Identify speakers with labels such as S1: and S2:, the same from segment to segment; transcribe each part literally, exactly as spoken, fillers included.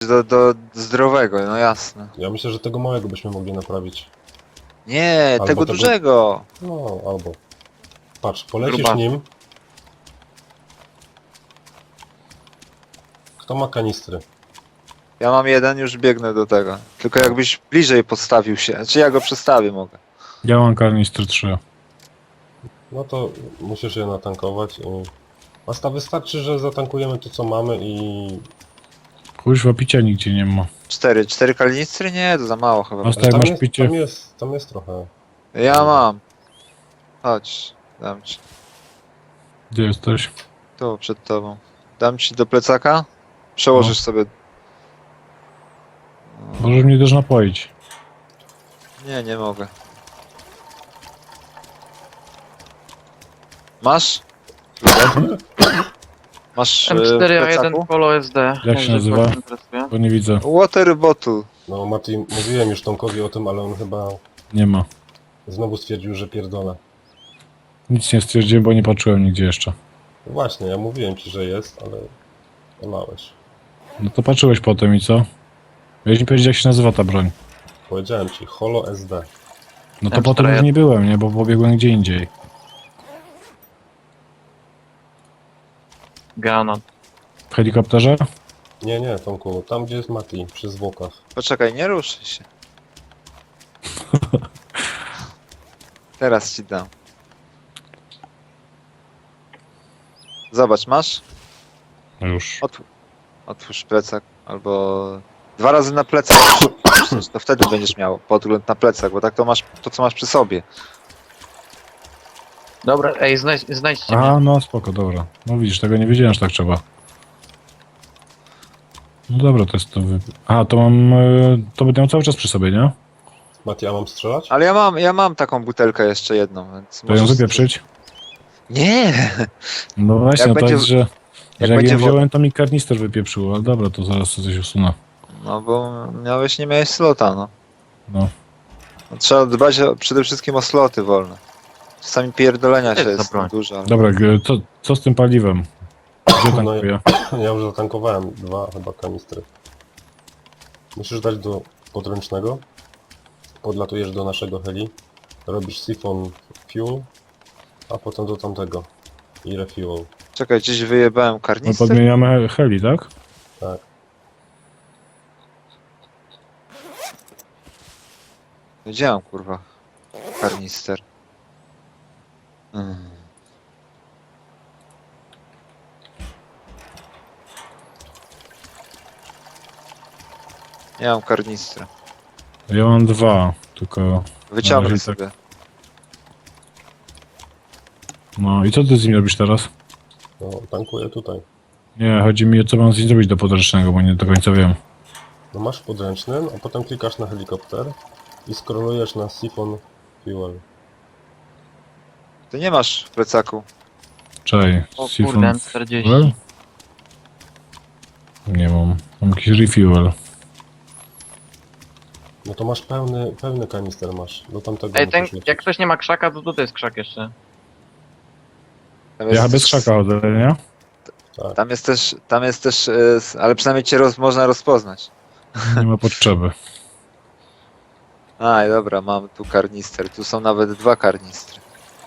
S1: do, do zdrowego, no jasne.
S2: Ja myślę, że tego małego byśmy mogli naprawić.
S1: Nie,
S2: Albo
S1: tego
S2: tego-
S1: dużego.
S2: No, albo. Patrz, polecisz
S3: Grubasy.
S2: nim. Kto ma kanistry?
S1: Ja mam jeden, już biegnę do tego. Tylko jakbyś bliżej postawił się. Czy ja go przestawię mogę?
S4: Ja mam karnistry trzy.
S2: No to musisz je natankować i... Asta wystarczy, że zatankujemy to co mamy i...
S4: Kuźwa, picia nigdzie nie ma.
S1: Cztery. Cztery kanistry? Nie, to za mało chyba.
S4: Osta- Tak,
S2: tam,
S4: masz
S2: jest,
S4: picie.
S2: tam jest, tam jest trochę.
S1: Ja mam. Chodź, dam ci.
S4: Gdzie jesteś?
S1: Tu, przed tobą. Dam ci do plecaka? Przełożysz
S4: No.
S1: sobie.
S4: Możesz mnie też napoić.
S1: Nie, nie mogę. Masz? Masz
S3: M
S1: e, w
S3: cztery A jeden
S1: plecaku?
S3: Polo S D.
S4: Jak
S3: Może
S4: się nazywa?
S3: kogoś interesuje.
S4: Bo nie widzę.
S1: Water bottle.
S2: No Mati, mówiłem już Tomkowi o tym, ale on chyba
S4: Nie ma.
S2: znowu stwierdził, że pierdolę.
S4: Nic nie stwierdziłem, bo nie patrzyłem nigdzie jeszcze.
S2: No właśnie, ja mówiłem ci, że jest, ale nie małeś.
S4: No to patrzyłeś potem i co? Miałeś mi powiedzieć, jak się nazywa ta broń.
S2: Powiedziałem ci, Holo S D.
S4: No to
S3: M cztery
S4: potem
S3: A
S4: już nie byłem, nie? Bo pobiegłem gdzie indziej.
S3: Granat.
S4: W helikopterze?
S2: Nie, nie, Tomku, tam gdzie jest Mati, przy zwłokach.
S1: Poczekaj, nie ruszaj się. Teraz ci dam. Zobacz, masz?
S4: No już.
S1: Otw otwórz plecak, albo dwa razy na plecak. To wtedy będziesz miał podgląd na plecak, bo tak to masz to, co masz przy sobie.
S3: Dobra, ej, znajdź, znajdźcie mnie.
S4: Aha, no spoko, dobra. No widzisz, tego nie wiedziałem, że tak trzeba. No dobra, to jest to... Wy... Aha, to mam... e, To będę miał cały czas przy sobie, nie?
S2: Mati, a mam strzelać?
S1: Ale ja mam, ja mam taką butelkę jeszcze jedną, więc
S4: To ją
S1: możesz-
S4: wypieprzyć?
S1: Nie!
S4: No właśnie,
S1: Jak
S4: no to
S1: będzie-
S4: jest, że...
S1: jak
S4: że jak
S1: będzie
S4: ja
S1: woda.
S4: wziąłem, to mi karnister wypieprzył, ale dobra, to zaraz to coś usunę.
S1: No bo miałeś, nie miałeś slota, no.
S4: No.
S1: No, trzeba dbać o, przede wszystkim o sloty wolne. Czasami pierdolenia
S3: To
S1: się
S3: jest
S1: jest
S3: za broń.
S1: dużo. Ale...
S4: Dobra, g- co, co z tym paliwem? Gdzie
S2: No
S4: tankuję?
S2: Ja już zatankowałem dwa chyba kanistry. Musisz dać do podręcznego. Podlatujesz do naszego heli. Robisz siphon fuel, a potem do tamtego. I refuel.
S1: Czekaj, gdzieś wyjebałem
S4: No
S1: karnister.
S4: podmieniamy he- heli, tak?
S2: Tak.
S1: Wiedziałem, kurwa. Karnister. Hmm. Nie mam karnistra.
S4: Ja mam dwa, tylko...
S1: Wyciągnę
S4: razie
S1: sobie.
S4: No i co ty z nim robisz teraz?
S2: No, tankuję tutaj.
S4: Nie, chodzi mi o co mam z nim zrobić do podręcznego, bo nie do końca wiem.
S2: No masz w podręcznym, a potem klikasz na helikopter i scrollujesz na siphon fuel.
S1: Ty nie masz w plecaku.
S4: Czekaj,
S3: O
S4: siphon
S3: kurde, M czterdzieści.
S4: fuel? Nie mam. Mam jakiś refuel.
S2: No to masz pełny, pełny kanister masz. Do tamtego
S3: Ej, ten,
S2: musisz lecieć.
S3: jak ktoś nie ma krzaka, to tutaj jest krzak jeszcze.
S1: Tam
S4: Ja bez krzaka chodzę, nie?
S2: Tak.
S1: Tam jest też, tam jest też, e, s- ale przynajmniej cię roz, można rozpoznać.
S4: Nie ma potrzeby.
S1: Aj, dobra, mam tu karnister. Tu są nawet dwa karnistry.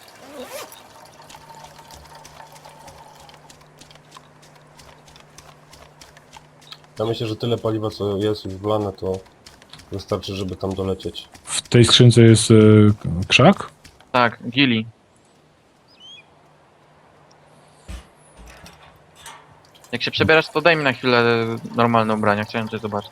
S2: Ja myślę, że tyle paliwa co jest już wlane, to wystarczy, żeby tam dolecieć.
S4: W tej skrzynce jest y, krzak?
S3: Tak, gili. Jak się przebierasz, to daj mi na chwilę normalne ubrania, chciałem coś zobaczyć.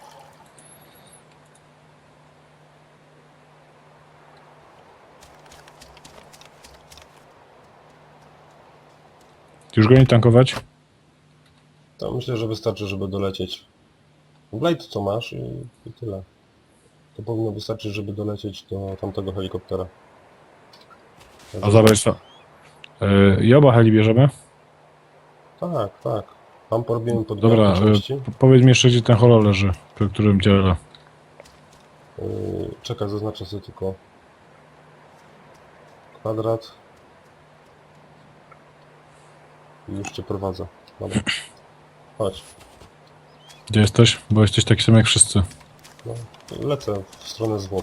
S4: Już go nie tankować?
S2: To myślę, że wystarczy, żeby dolecieć. Blade co masz i, i tyle. To powinno wystarczyć, żeby dolecieć do tamtego helikoptera.
S4: A zabrać co? Y, I oba heli bierzemy?
S2: Tak, tak. Tam porobimy pod
S4: Dobra,
S2: części.
S4: y, powiedz mi jeszcze, gdzie ten holo leży, przy którym dzielę.
S2: Yy, czekaj, zaznaczę sobie tylko kwadrat. I już cię prowadzę. Dobra. Chodź.
S4: Gdzie jesteś? Bo jesteś taki sam jak wszyscy.
S2: No, lecę w stronę zwłok.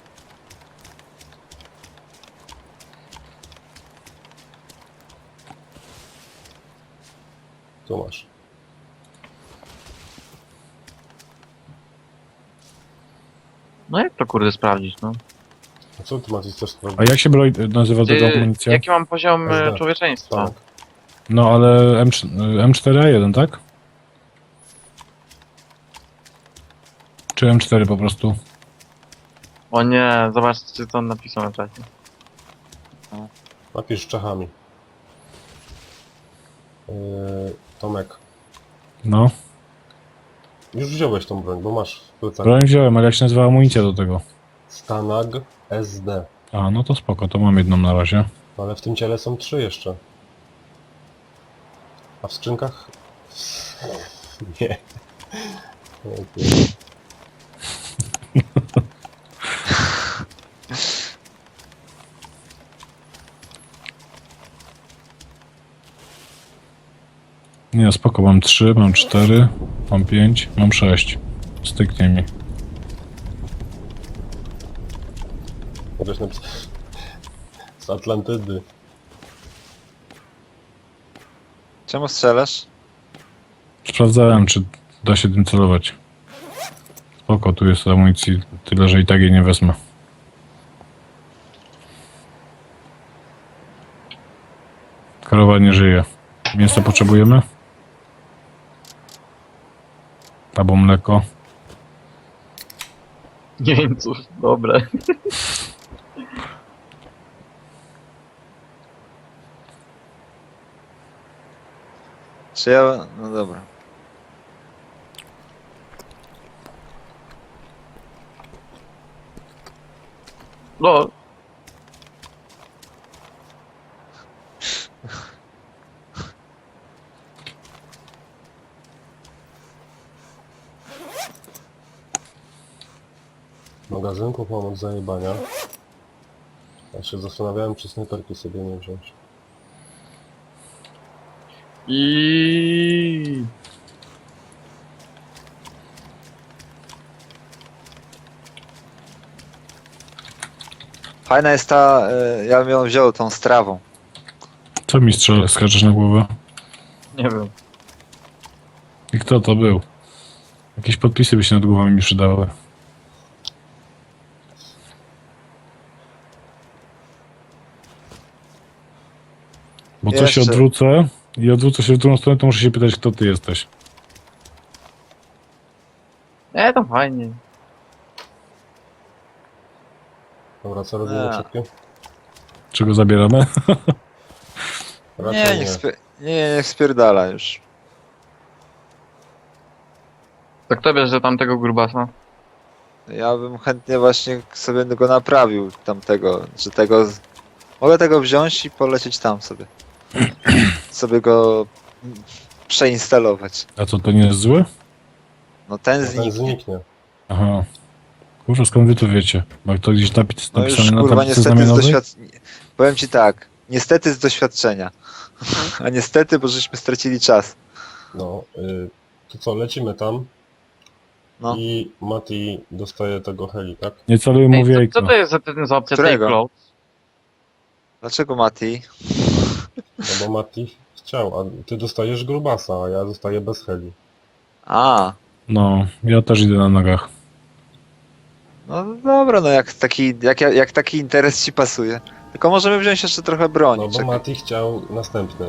S2: Tu masz.
S3: No jak to kurde sprawdzić, no?
S2: A co ty Maciej chcesz
S4: A
S2: sprawdzić?
S4: jak się broń nazywa tego
S3: Ty,
S4: amunicja?
S3: jaki mam poziom
S2: S D.
S3: e, człowieczeństwa?
S2: Tak.
S4: No ale M cztery A jeden, tak? Czy M cztery po prostu?
S3: O nie, zobaczcie co on napisał na czacie.
S2: Napisz Czechami. Yy, Tomek.
S4: No.
S2: Już wziąłeś tą broń, bo masz w plecach.
S4: Broń wziąłem, ale jak się nazywa amunicja do tego?
S2: Stanag S D.
S4: A, no to spoko, to mam jedną na razie.
S2: Ale w tym ciele są trzy jeszcze. A w skrzynkach? Nie. Nie.
S4: Nie, spoko, mam trzy, mam cztery, mam pięć, mam sześć. Styknie mi.
S2: Możesz napisać. Z Atlantydy.
S1: Czemu strzelasz?
S4: Sprawdzałem, czy da się tym celować. Spoko, tu jest amunicji tyle, że i tak jej nie wezmę. Krowa nie żyje. Mięso potrzebujemy? Albo mleko.
S3: Jeńców, dobre.
S1: Czy ja... No dobra.
S3: No,
S2: Magazynków mam od zajebania. Ja się zastanawiałem, czy snajperki sobie nie wziąć.
S3: i
S1: Fajna jest ta... y, ja bym ją wziął tą strawą.
S4: Co mi strzela, skaczesz na głowę?
S3: nie wiem.
S4: I kto to był? Jakieś podpisy by się nad głowami mi przydały. Bo co się
S1: Jeszcze.
S4: odwrócę i odwrócę się w drugą stronę, to muszę się pytać, kto ty jesteś.
S3: E, to fajnie.
S2: Dobra, co robimy
S1: A.
S2: szybkie?
S4: Czy go zabieramy?
S2: Raczej
S1: Nie,
S2: nie.
S1: niech, spie... nie, niech spierdala już.
S3: To kto bierze tamtego grubasa?
S1: Ja bym chętnie właśnie sobie go naprawił, tamtego, czy tego... z- Mogę tego wziąć i polecieć tam sobie. Sobie go mm, przeinstalować.
S4: A co, to nie jest złe?
S1: No ten
S2: No ten
S1: zniknie.
S2: zniknie.
S4: Aha. Kurwa, skąd wy to wiecie? Bo to gdzieś napis,
S1: No już
S4: napisane na
S1: kurwa
S4: tablicy
S1: niestety z
S4: znamionowej?
S1: doświadczenia. Powiem ci tak, niestety z doświadczenia. A niestety, bo żeśmy stracili czas.
S2: No, y, to co, lecimy tam.
S1: No.
S2: I Mati dostaje tego heli, tak?
S4: Nie celuj mu w
S3: Ej, co,
S4: jajko.
S3: co to jest za, ten- za opcja
S1: Którego?
S3: Take Cloud?
S1: Dlaczego Mati?
S2: No bo Mati chciał, a ty dostajesz grubasa, a ja dostaję bez heli.
S1: A,
S4: No, ja też idę na nogach.
S1: no dobra, no jak taki, jak, jak taki interes ci pasuje. Tylko możemy wziąć jeszcze trochę broni.
S2: No bo
S1: Czekaj.
S2: Mati chciał następny.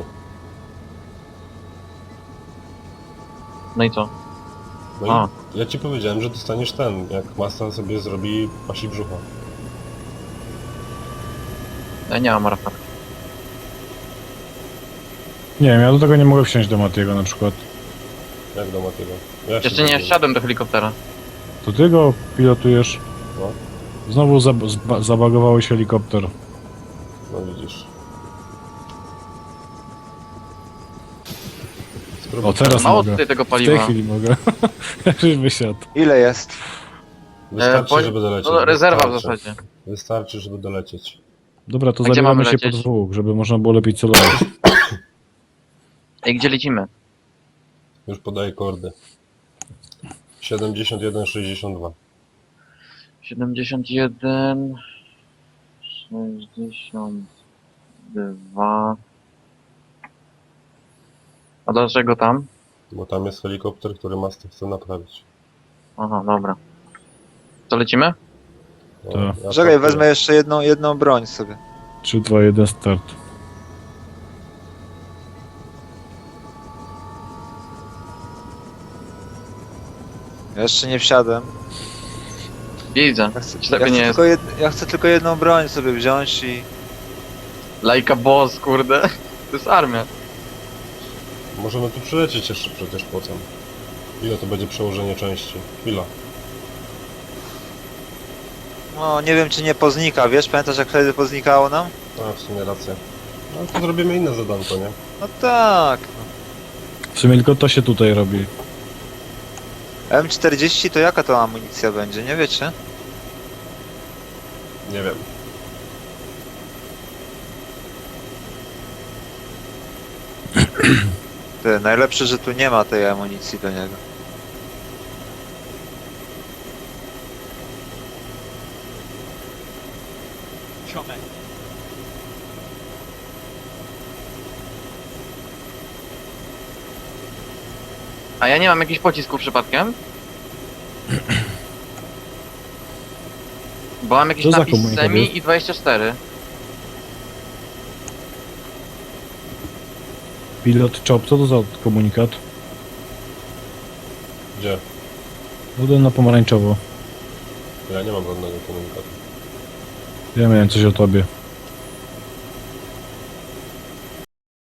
S3: No i co?
S2: No
S3: A.
S2: i ja ci powiedziałem, że dostaniesz ten, jak Masta sobie zrobi pasi brzucha.
S3: Ja nie mam rafał.
S4: Nie wiem, ja do tego nie mogę wsiąść do Matiego na przykład.
S2: Jak do Matiego. Ja się
S3: Jeszcze nie
S2: zrobię.
S3: wsiadłem do helikoptera.
S4: To ty go pilotujesz.
S2: No,
S4: Znowu zab zba zabagowałeś helikopter.
S2: no widzisz. Spróbuj.
S4: O, teraz
S3: Mało
S4: mogę.
S3: tutaj tego
S4: W tej
S3: paliwa.
S4: chwili mogę. Już wysiadł.
S1: Ile jest?
S2: Wystarczy,
S3: E, po-
S2: żeby dolecieć.
S3: No, rezerwa w
S2: Wystarczy.
S3: zasadzie.
S2: Wystarczy, żeby dolecieć.
S4: Dobra, to
S3: A gdzie
S4: zabieramy
S3: mamy
S4: się po
S3: lecieć?
S4: dwóch, żeby można było lepiej celować.
S3: Ej, gdzie lecimy?
S2: Już podaję kordy. siedemdziesiąt jeden sześćdziesiąt dwa.
S3: siedemdziesiąt jeden, sześćdziesiąt dwa. A dlaczego tam?
S2: Bo tam jest helikopter, który Master chce naprawić.
S3: Aha, dobra. To lecimy?
S2: No,
S4: To-
S2: ja
S1: Czekaj,
S2: tak-
S1: wezmę jeszcze jedną, jedną broń sobie.
S4: trzy, dwa, jeden, start.
S1: Ja jeszcze nie wsiadłem.
S3: Widzę.
S1: Ja chcę,
S3: Czy
S1: ja
S3: tego
S1: chcę,
S3: nie jest?
S1: tylko, jed, ja chcę tylko jedną broń sobie wziąć i...
S3: Lajka boss, kurde. To jest armia.
S2: Możemy tu przylecieć jeszcze przecież potem. Ile to będzie przełożenie części? Chwila.
S1: No, nie wiem czy nie poznika, wiesz? Pamiętasz jak wtedy poznikało nam?
S2: A, w sumie rację. No to zrobimy inne zadanko, nie?
S1: No tak.
S4: W sumie tylko to się tutaj robi.
S1: M czterdzieści to jaka to amunicja będzie, nie wiecie?
S2: Nie wiem.
S1: Ty, najlepsze, że tu nie ma tej amunicji do niego.
S3: A ja nie mam jakichś pocisków przypadkiem? Bo mam jakiś
S4: Co za
S3: napis
S4: komunikat jest?
S3: semi i dwadzieścia cztery.
S4: Pilot Chop, co to za komunikat?
S2: Gdzie?
S4: Budę na pomarańczowo.
S2: Ja nie mam żadnego komunikatu.
S4: Ja miałem coś o tobie.